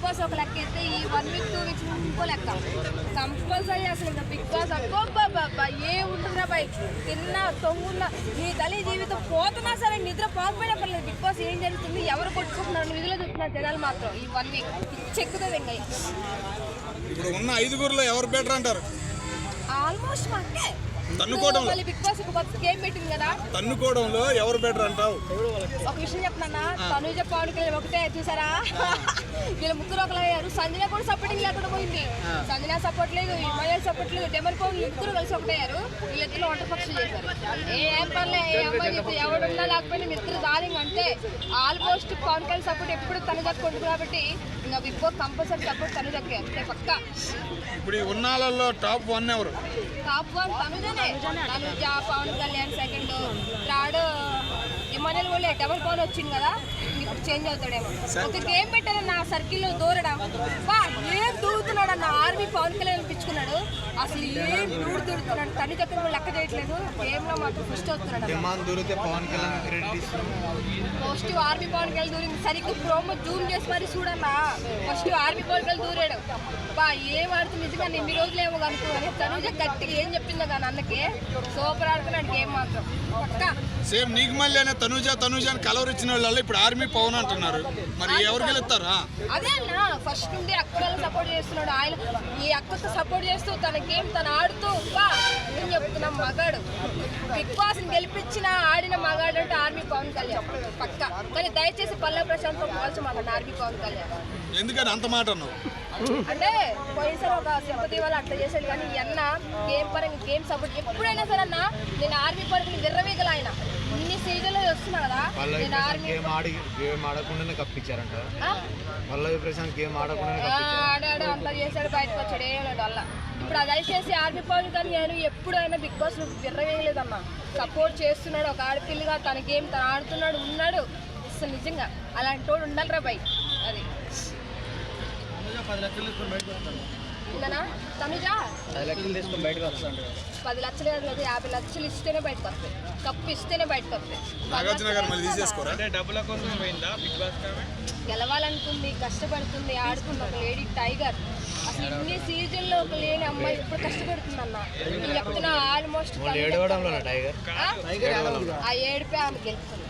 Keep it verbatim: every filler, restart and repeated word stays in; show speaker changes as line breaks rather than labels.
Boss ఒక లెక్క అయితే ఈ వన్ వీక్ టూ వీక్స్ ఇంకో లెక్క కంపల్సరీ అసలు ఇంకా బిగ్ బాస్ అబ్బో బాబా ఏ ఉంటుందా బై తిన్న తొంగున్న నీ తల్లి జీవితం పోతున్నా సరే నిద్ర పోకపోయినా పర్లేదు బిగ్ బాస్ ఏం జరుగుతుంది ఎవరు కొట్టుకుంటున్నారు నిధులు చూస్తున్నారు జనాలు మాత్రం ఈ వన్ వీక్ చెక్కుతుంది ఇంకా
ఇప్పుడు ఉన్న ఐదుగురులో ఎవరు బెటర్ అంటారు?
ఆల్మోస్ట్ మాకే
తన్నుకోవడంలో
బిగ్ బాస్ గేమ్ పెట్టింది కదా
తన్నుకోవడంలో ఎవరు బెటర్ అంటావు?
ఒక విషయం చెప్తున్నా తనుజ పవన్ కళ్యాణ్ ఒకటే చూసారా వీళ్ళ ముగ్గురు ఒకరు అయ్యారు. సంజన కూడా సపోర్టింగ్ లేకుండా పోయింది. సంజన సపోర్ట్ లేదు, హిమాలయ సపోర్ట్ లేదు, డెమర్ పవన్ ముగ్గురు కలిసి ఒకటయ్యారు. వీళ్ళిద్దరు వంట పక్షులు చేశారు. ఏం పర్లే ఏ అమ్మాయి చెప్పి ఎవడున్నా లేకపోయినా మిత్రులు దారింగ్ అంటే ఆల్మోస్ట్ పవన్ కళ్యాణ్ సపోర్ట్ ఎప్పుడు తనుజకు కొడుకు కాబట్టి ఇంకా బిగ్ బాస్ కంపల్సరీ సపోర్ట్ తనుజకి అంతే పక్క.
ఇప్పుడు ఉన్నాళ్ళలో టాప్ వన్ ఎవరు?
టాప్ వన్ తనుజనే. Tanuja, Pawan Kalyan second, third Emmanuel కూడా డబల్ పవన్ వచ్చింది కదా ఇప్పుడు చేంజ్ అవుతాడేమో. ఒక గేమ్ పెట్టారు నా సర్కిల్లో దూరడం బా ఏం దూరుతున్నాడు అన్న ఆర్మీ పవన్ కళ్యాణ్ అనిపించుకున్నాడు. అసలు ఏం దూరు దూరుతున్నాడు తను దగ్గర లెక్క చేయట్లేదు. గేమ్ లో మాత్రం ఫస్ట్ వస్తున్నాడు. ఫస్ట్ ఆర్మీ పవన్ కళ్యాణ్ దూరింది సరిగ్గా ప్రోమో జూమ్ చేసి మరి చూడన్నా ఫస్ట్ ఆర్మీ పవన్ కళ్యాణ్ దూరాడు. బా ఏం ఆడుతుంది నిజంగా ఎన్ని రోజులు ఏమో కనుక్కోని తనుజ గట్టిగా ఏం చెప్పిందో కానీ అన్నకి సూపర్ ఆడుతున్నాడు గేమ్ మాత్రం పక్క.
సేమ్ నీకు మళ్ళీ తనుజ తనుజ అని కలవర్ ఇచ్చిన వాళ్ళు ఇప్పుడు ఆర్మీ పవన్ అంటున్నారు. మరి ఎవరు గెలుస్తారా?
అదే అన్న ఫస్ట్ నుండి అక్కడ సపోర్ట్ చేస్తున్నాడు. ఆయన ఈ అక్కతో సపోర్ట్ చేస్తూ తన గేమ్ తను ఆడుతూ బా ఏం చెప్తున్నాం మగాడు బిగ్ బాస్ ని గెలిపించిన ఆడిన మగాడు అంటే ఆర్మీ పవన్ కళ్యాణ్ పక్క. కానీ దయచేసి పల్లె ప్రశాంత్తో పోల్చమన్నాడు ఆర్మీ పవన్ కళ్యాణ్.
ఎందుకని అంత మాట అన్నావు?
అంటే పోయినసారి ఒక సింపతి వల్ల అట్లా చేశాడు కానీ అన్న గేమ్ పరంగా గేమ్ సపోర్ట్ ఎప్పుడైనా సరే అన్న నేను ఆర్మీ పరంగా విర్రవీగల ఆయన ఇన్ని సీజన్లో వస్తున్నా కదా నేను ఆర్మీ ఆడాడు అంతా చేశాడు బయటకు వచ్చాడు ఏమన్నాడు వల్ల. ఇప్పుడు అది చేసి ఆర్మీ పవన్ కానీ నేను ఎప్పుడైనా బిగ్ బాస్ విర్రవేయలేదన్న సపోర్ట్ చేస్తున్నాడు. ఒక ఆడపిల్లగా తన గేమ్ తను ఆడుతున్నాడు ఉన్నాడు. అసలు నిజంగా అలాంటి వాడు ఉండాలిరా బై. అది
పది లక్షలు తీసుకొని బయటకు వస్తాను
తనుజా
పది లక్షలు తీసుకొని బయటకు వస్తాను.
పది లక్షలు కాదు యాభై లక్షలు ఇస్తేనే బయటకు వస్తాయి. కప్పు ఇస్తేనే బయటకు వస్తాయి. గెలవాలనుకుంది కష్టపడుతుంది ఆడుతుంది ఒక లేడీ టైగర్. అసలు ఇన్ని సీజన్లో ఒక లేని అమ్మాయి ఇప్పుడు కష్టపడుతుంది అన్న నేను చెప్తున్నా. ఆల్మోస్ట్ ఆ ఏడుపే ఆమె గెలుస్తుంది.